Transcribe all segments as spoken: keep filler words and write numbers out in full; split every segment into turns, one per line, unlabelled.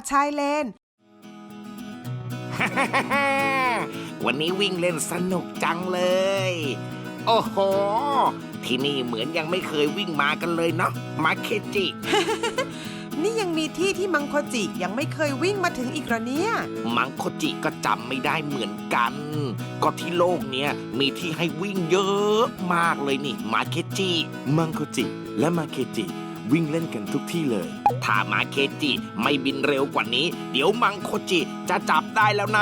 ชายเลน
วันนี้วิ่งเล่นสนุกจังเลยโอ้โหที่นี่เหมือนยังไม่เคยวิ่งมากันเลยเนาะมาเคจิ
นี่ยังมีที่ที่มังโคจิยังไม่เคยวิ่งมาถึงอีกเหรอเนี่ย
มังโคจิก็จำไม่ได้เหมือนกันก็ที่โลกเนี้ยมีที่ให้วิ่งเยอะมากเลยนี่มาเคจิ
มังโคจิและมาเคจิวิ่งเล่นกันทุกที่เลย
ถ้ามาเคจิไม่บินเร็วกว่านี้เดี๋ยวมังโคจิจะจับได้แล้วนะ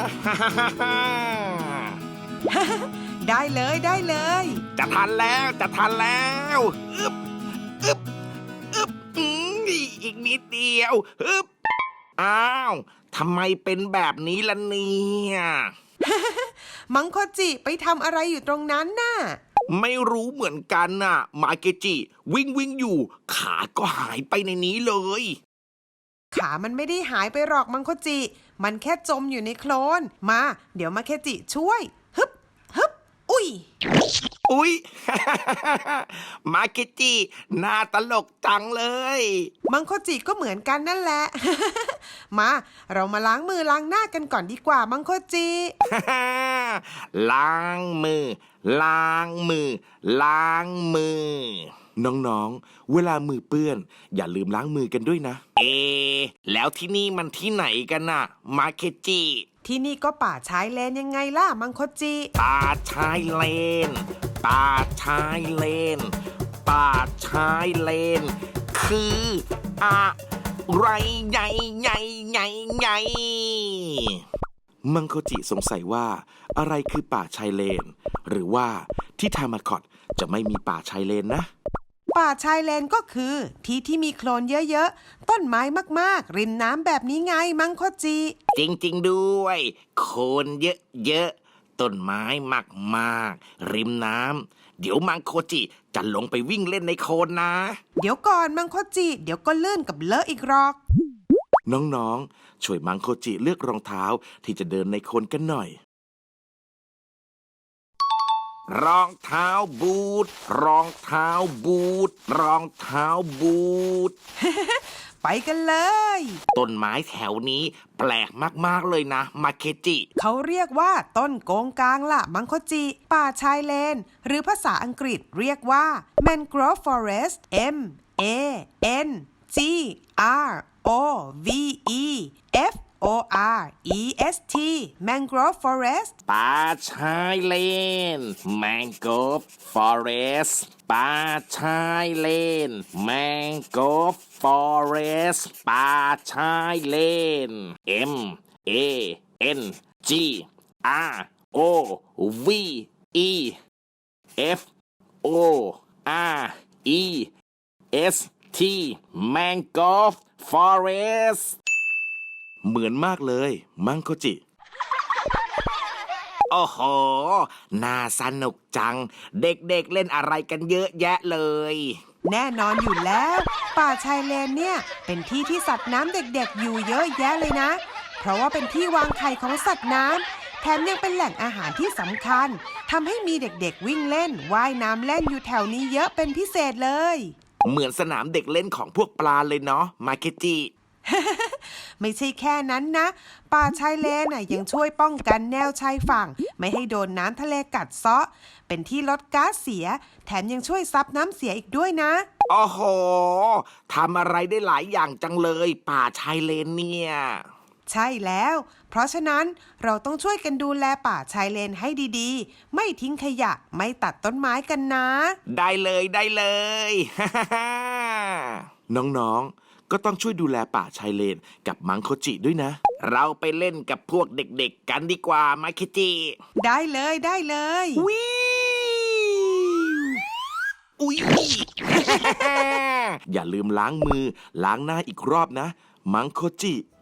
ได้เลยได้เลย
จะทันแล้วจะทันแล้วอึบอึบอึบอีกนิดเดียวอึบอ้าวทำไมเป็นแบบนี้ล่ะเนี่ย
มังโคจิไปทำอะไรอยู่ตรงนั้นน่ะ
ไม่รู้เหมือนกันน่ะมาเกจิวิ่งวิ่งอยู่ขาก็หายไปในนี้เลย
ขามันไม่ได้หายไปหรอกมังโคจิมันแค่จมอยู่ในโคลนมาเดี๋ยวมาเคจิช่วยฮึบฮึบอุ้ย
อุ้ย มาเกจิหน้าตลกจังเลย
มังโคจิก็เหมือนกันนั่นแหละ มาเรามาล้างมือล้างหน้ากันก่อนดีกว่ามังโคจิ
ล้างมือล้างมือล้างมือ
น้องๆเวลามือเปื้อนอย่าลืมล้างมือกันด้วยนะ
เอแล้วที่นี่มันที่ไหนกันน่ะมาเคจิ
ที่นี่ก็ป่าชายเลนยังไงล่ะมังโคจิ
ป่าชายเลนป่าชายเลนป่าชายเลนคืออะไรใหญ่ใหญ่ใหญ่ใหญ่
มังโคจิสงสัยว่าอะไรคือป่าชายเลนหรือว่าที่ทามาคอตจะไม่มีป่าชายเลนนะ
ป่าชายเลนก็คือที่ที่มีโคลนเยอะๆต้นไม้มากๆริมน้ำแบบนี้ไงมังโคจิ
จริงๆด้วยโคลนเยอะๆต้นไม้มากๆริมน้ำเดี๋ยวมังโคจิจะลงไปวิ่งเล่นในโคลนนะ
เดี๋ยวก่อนมังโคจิเดี๋ยวก็ลื่นกับเลอะอีกหรอก
น้องๆช่วยมังโคจิเลือกรองเท้าที่จะเดินในโคลนกันหน่อย
รองเท้าบูทรองเท้าบูทรองเท้าบูท
ไปกันเลย
ต้นไม้แถวนี้แปลกมากๆเลยนะมาเคจิ
เขาเรียกว่าต้นโกงกางล่ะมังโคจิป่าชายเลนหรือภาษาอังกฤษเรียกว่า Mangrove Forest M A N G R O V E F O R E S T Mangrove Forest
ป่าชายเลน Mangrove Forest ป่าชายเลน Mangrove Forest ป่าชายเลน M A N G R O V E F O R E S T Mangrove Forest
เหมือนมากเลยมังโคจิ
โอ้โหน่าสนุกจังเด็กๆ เ, เล่นอะไรกันเยอะแยะเลย
แน่นอนอยู่แล้วป่าชายเลนเนี่ยเป็นที่ที่สัตว์น้ำเด็กๆอยู่เยอะแยะเลยนะเพราะว่าเป็นที่วางไข่ของสัตว์น้ำแถมยังเป็นแหล่งอาหารที่สำคัญทำให้มีเด็กๆวิ่งเล่นว่ายน้ำเล่นอยู่แถวนี้เยอะเป็นพิเศษเลย
เหมือนสนามเด็กเล่นของพวกปลาเลยเนาะมาเคจิ
ไม่ใช่แค่นั้นนะป่าชายเลนน่ะยังช่วยป้องกันแนวชายฝั่งไม่ให้โดนน้ำทะเลกัดเซาะเป็นที่ลดก๊าซเสียแถมยังช่วยซับน้ำเสียอีกด้วยนะ
โอ้โหทำอะไรได้หลายอย่างจังเลยป่าชายเลนเนี่ย
ใช่แล้วเพราะฉะนั้นเราต้องช่วยกันดูแลป่าชายเลนให้ดีๆไม่ทิ้งขยะไม่ตัดต้นไม้กันนะ
ได้เลยได้เลย
น้องๆก็ต้องช่วยดูแลป่าชายเลนกับมังโคจิด้วยนะ
เราไปเล่นกับพวกเด็กๆกันดีกว่ามาเคจิ
ได้เลยได้เลย
วิวอุ๊ย
อย่าลืมล้างมือล้างหน้าอีกรอบนะมังโคจิ